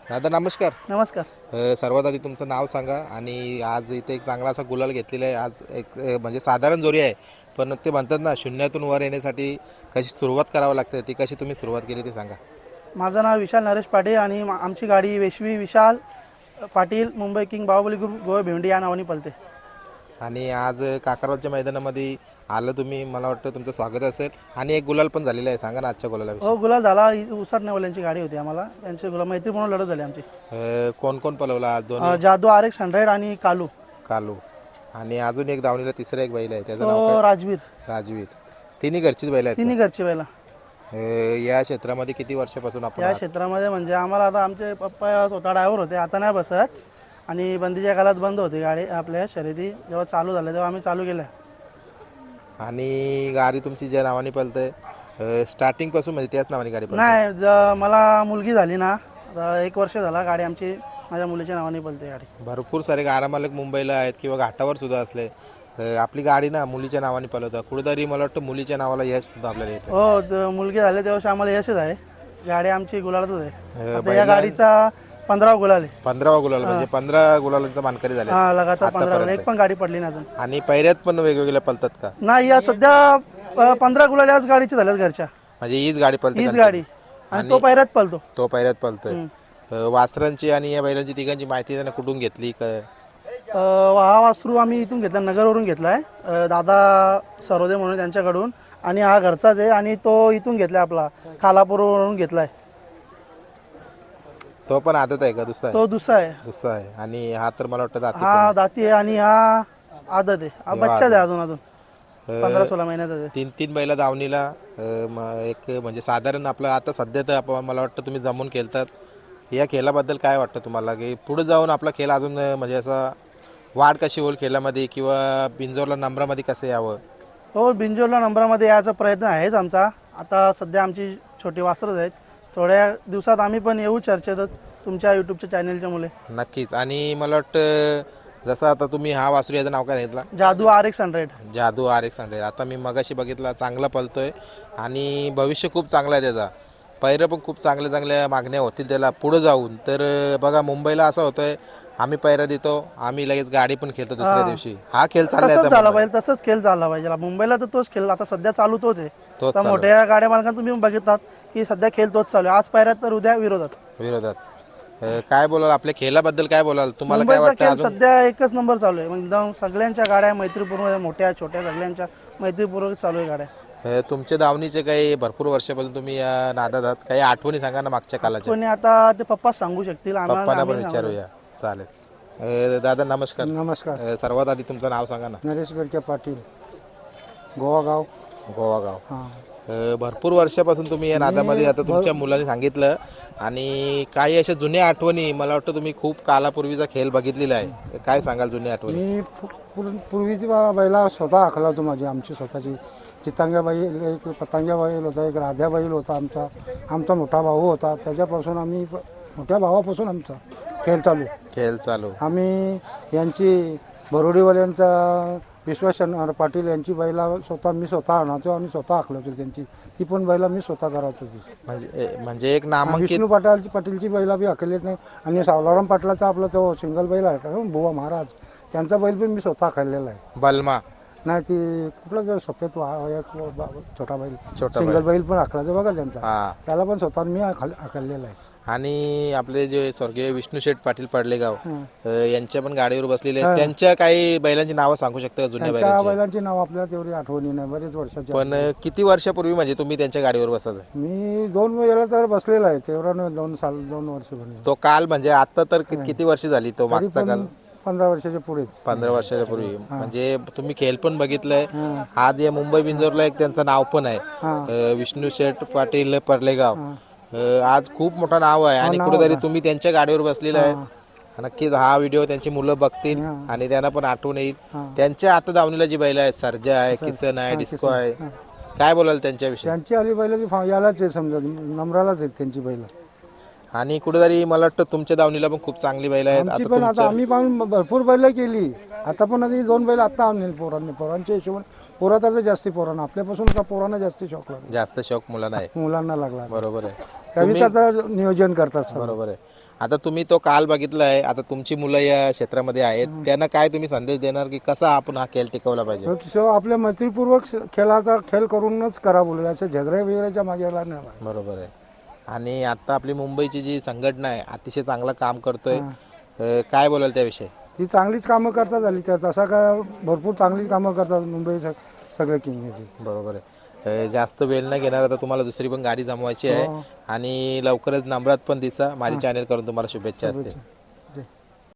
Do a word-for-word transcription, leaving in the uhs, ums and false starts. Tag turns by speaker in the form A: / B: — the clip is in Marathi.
A: दादा नमस्कार.
B: नमस्कार.
A: अ, सर्वात आधी तुमचं नाव सांगा आणि आज इथे एक चांगला असा गुलाल घेतलेला आहे. आज एक अ, म्हणजे साधारण जोरी आहे, पण ते म्हणतात ना शून्यातून वर येण्यासाठी कशी सुरुवात करावी लागते, ती कशी तुम्ही सुरुवात केली ते सांगा.
B: माझं नाव विशाल नरेश पाटील आणि मा- आमची गाडी वेशवी विशाल पाटील मुंबई किंग बाहुबली ग्रुप गोवा भेंडी या नावाने पलते.
A: आणि आज काकारवालच्या मैदानामध्ये आलं तुम्ही, मला वाटतं तुमचं स्वागत असेल आणि एक गुलाल पण झालेला आहे. सांगा ना आजच्या गुलालाविषयी.
B: हो, गुलाल झाला. उसाट नेवल्यांची गाडी होती आम्हाला, त्यांची गुलाल मैत्रीपूर्ण लढत झाली आमची.
A: अ, कोण कोण पलवला आज? दोन
B: अ, जादू आर एक्स हंड्रेड आणि कालू
A: कालू आणि अजून एक धावणीला तिसरा एक बैल आहे, त्याचं नाव
B: तो राजवीर.
A: काय? राजवीर. तिन्ही घरचीच बैल आहेत.
B: तिन्ही घरची बैला.
A: अ, या क्षेत्रामध्ये किती वर्षापासून आपण
B: या
A: आहात?
B: क्षेत्रामध्ये म्हणजे आम्हाला आता आमचे पप्पा स्वतः ड्रायव्हर होते, आता नाही बसत. आणि बंदीच्या काळात बंद होती गाडी आपल्या शर्यती, जेव्हा चालू झाल्या तेव्हा आम्ही चालू केल्या.
A: आणि गाडी तुमची ज्या नावाने पळते स्टार्टिंग पासून म्हणजे त्याच नावाने गाडी पळते?
B: नाही, ज- मला मुलगी झाली ना, आता एक वर्ष झाला गाडी आमची माझ्या मुलीच्या नावाने पलते गाडी.
A: भरपूर सारे गारामालक मुंबईला आहेत किंवा घाटावर सुद्धा असले. अ, आपली गाडी ना मुलीच्या नावाने पळवतात. कुठेतरी मला वाटतं मुलीच्या नावाला यश सुद्धा आपल्याला येतं.
B: हो, त- मुलगी झाली तेव्हा आम्हाला यशच आहे. गाडी आमची गुलालातच आहे.
A: अ,
B: आता या गाडीचा पंधरा गुलाल आहे.
A: पंधरावा गुलाल म्हणजे पंधरा गुलालांचा मानकरी झाले.
B: हा, लगातार पंधरा गुलाल, एक पण गाडी पडली नाही अजून.
A: आणि पैऱ्यात पण वेगवेगळ्या पळतात का?
B: नाही, या सध्या अ, पंधरा गुलाल याच गाडीचे झाल्यात घरच्या.
A: म्हणजे हीच गाडी पळते
B: हीच
A: का?
B: गाडी आणि तो पैऱ्यात पलतो.
A: तो पैऱ्यात पळतोय. अ, वासरांची आणि या बैलांची तिघांची माहिती त्यांना कुठून घेतली का?
B: अ, हा वासरू आम्ही इथून घेतला, नगरवरून घेतलाय. अ, दादा सरोदे म्हणून त्यांच्याकडून. आणि हा घरचाच आहे आणि तो इथून घेतलाय, आपला खालापूरवरून घेतलाय.
A: तो पण आदत आहे का? दुसरा आहे?
B: तो दुसरा आहे.
A: दुसरा आहे. आणि हा तर मला वाटतं दाती
B: हा दाती आहे आणि हा आदत आहे. हा बच्चाच आहे अजून अजून पंधरा सोळा महिन्याचा आहे.
A: तीन तीन बैला दावणीला अ, म- एक म्हणजे साधारण आपलं आता सध्या तर आपण मला वाटतं तुम्ही जमून खेळतात. या खेळाबद्दल काय वाटतं तुम्हाला की पुढे जाऊन आपला खेळ अजून अ, म्हणजे असा वाढ कशी होईल खेळामध्ये किंवा बिंजोरला नंबरामध्ये कसं यावं?
B: हो, बिंजोरला नंबरामध्ये यायचा प्रयत्न आहेच आमचा. आता सध्या आमची छोटी वासरच आहेत. थोड्या दिवसात आम्ही पण येऊ चर्चेत तुमच्या यूट्यूबच्या चॅनलच्या मुले.
A: नक्कीच. आणि मला वाटतं जसं आता तुम्ही हा वासरू याचं नाव काय घेतला?
B: जादू आर एक्स हंड्रेड.
A: जादू आर एक्स हंड्रेड. आता मी मगाशी बघितला, चांगला पळतोय आणि भविष्य खूप चांगलं आहे त्याचा. पैरं पण खूप चांगल्या चांगल्या मागण्या होतील त्याला पुढे जाऊन. तर बघा मुंबईला असं होतंय, आम्ही पैरा देतो, आम्ही लगेच गाडी पण खेळतो दुसऱ्या दिवशी. हा खेळ चाललाय
B: तसंच
A: आता
B: झाला
A: मुंबईत.
B: पाहिजे, तसंच खेळ झाला पाहिजे. मुंबईला तर तोच खेळ आता सध्या चालू तोच आहे.
A: तोच
B: तर
A: चालू
B: मोठ्या गाड्या मालकांना तुम्ही बघितलात की सध्या खेळ तोच चालू आहे. आज पायऱ्यात तर उद्या विरोधात.
A: विरोधात. अ, काय बोलाल आपल्या खेळाबद्दल, काय बोलाल? तुम्हाला काय
B: मुंबईचा
A: वाटतं
B: खेळ
A: अजून?
B: सध्या एकच नंबर चालू आहे. म्हणजे एकदम सगळ्यांच्या गाड्या मैत्रीपूर्ण, मोठ्या छोट्या सगळ्यांच्या मैत्रीपूर्वक चालू आहे गाड्या.
A: अ, तुमच्या दावणीचे काही भरपूर वर्षापासून तुम्ही या नादात आहात. काही आठवणी सांगा ना मागच्या कालाच्या.
B: कोणी आता ते पप्पा सांगू शकतील, आम्हाला
A: पप्पांना पण
B: आम्ही सांगू.
A: विचारूया. चालेल. अ, दादा नमस्कार.
C: नमस्कार.
A: अ, सर्वात आधी तुमचं नाव सांगा ना.
C: नरेश गडके पाटील, गोवागाव.
A: गोवागाव.
C: हां.
A: अ, भरपूर वर्षापासून तुम्ही या नादामध्ये, आता तुमच्या मुलांनी सांगितलं. आणि काही अशा जुन्या आठवणी, मला वाटतं तुम्ही खूप कालापूर्वीचा खेळ बघितलेला आहे. काय सांगाल जुन्या आठवणी?
C: मी पू- पूर- पूर्वीची बा- बैला स्वतः आखला होतो माझी, आमची स्वतःची. चितांग्या बैल, एक पतंग्या बैल होता, एक राध्या बैल होता आमचा. आमचा मोठा भाऊ होता, त्याच्यापासून आम्ही प- मोठ्या भावापासून आमचा खेळ चालू.
A: खेळ चालू.
C: आम्ही यांची बरोडीवाल्यांचा विश्वास शनिवार पाटील यांची बैला स्वतः मी स्वतः आणायचो आणि स्वतः आखलो होतो त्यांची. ती पण बैला मी स्वतः करायचो होती.
A: म्हणजे म्हणजे एक नामांकित.
C: विष्णू पाटील पाटीलची बैला बी आखलेत नाही. आणि सावलाराम पाटलाचा आपला तो सिंगल बैल आहे का, बुवा महाराज, त्यांचा बैल पण मी स्वतः खाल्लेला आहे.
A: बलमा.
C: नाही, ती कुठला जर सफेद वा- वयात बा- छोटा बैल,
A: छोटा
C: सिंगल बैल पण आखलाचा बघा त्यांचा.
A: हा.
C: त्याला पण स्वतः मी आखल- आखलेला आहे.
A: आणि आपले जे स्वर्गीय विष्णू शेठ पाटील पडलेगाव
C: हं.
A: अ, यांच्या पण गाडीवर बसलेले आहेत. त्यांच्या काही बैलांची नावं सांगू शकता का जुन्या
C: त्यांच्या
A: बैलांची?
C: बैलांची नाव आपल्याला तेवढी आठवणी नाही, बरेच वर्षाची.
A: पण अ, किती वर्षापूर्वी म्हणजे तुम्ही त्यांच्या गाडीवर बसायचं?
C: मी दोन वेळेला तर बसलेला आहे, तेवढा नाही, दोन साल दोन वर्ष बनले.
A: तो काल म्हणजे आता तर कि- किती वर्ष झाली तो मागचा काल?
C: पंधरा वर्षाच्या पुढेच.
A: पंधरा वर्षाच्या पूर्वी. म्हणजे तुम्ही खेळ पण बघितलंय. आज या मुंबई बिंजोरला एक त्यांचं नाव पण आहे, अ, विष्णू शेठ पाटील पडलेगाव. अ, आज खूप मोठं नाव आहे आणि कुठेतरी तुम्ही त्यांच्या गाडीवर बसलेला आहे. नक्कीच हा व्हिडिओ त्यांची मुलं बघतील आणि त्यांना पण आठवण येईल. त्यांच्या आता दावणीला जी बैल आहेत, सर्जा आहे, किसन आहे, डिस्को आहे, काय बोलाल त्यांच्याविषयी?
C: त्यांची आली बैल की फा- यालाच आहे, समजा नंबरालाच आहेत त्यांची बैल.
A: आणि कुठेतरी मला वाटतं तुमच्या दावणीला पण खूप चांगली बैल आहेत.
C: आमची
A: आता
C: पण आता
A: तुमच्या
C: आम्ही पण भरपूर बैल केली, आता पण आधी दोन बैल आता आणले पोरांनी पोरांच्या हिशोबाने पोराचा तर जास्ती पोरांना आपल्यापासून का पोरांना जास्ती शौक लागला
A: जास्त शौक मुलांना आहे.
C: मुलांना लागला
A: बरोबर आहे.
C: त्यावेळीच आता नियोजन करतात सर्व.
A: बरोबर आहे. आता तुम्ही तो काल बघितलाय, आता तुमची मुलं या क्षेत्रामध्ये आहेत, त्यांना काय तुम्ही संदेश देणार की कसा आपण हा खेळ टिकवला पाहिजे?
C: सो आपल्या मैत्रीपूर्वक खेळाचा खेळ करूनच करा बोलू, असे झगड्या वगैरेच्या मागे लागला नाही पाहिजे.
A: बरोबर आहे. आणि आता आपली मुंबईची जी संघटना आहे अतिशय चांगलं काम करतोय, अं, काय बोलाल त्याविषयी?
C: ती चांगलीच कामं करतात आली त्या तसा काय भरपूर चांगलीच कामं करतात मुंबई स- सगळे किंग
A: बरोबर आहे. अं, जास्त वेळ न घेणार, आता तुम्हाला दुसरी पण गाडी जमवायची आहे आणि लवकरच नंबरात पण दिसा. माझी चॅनल करून तुम्हाला शुभेच्छा असतील.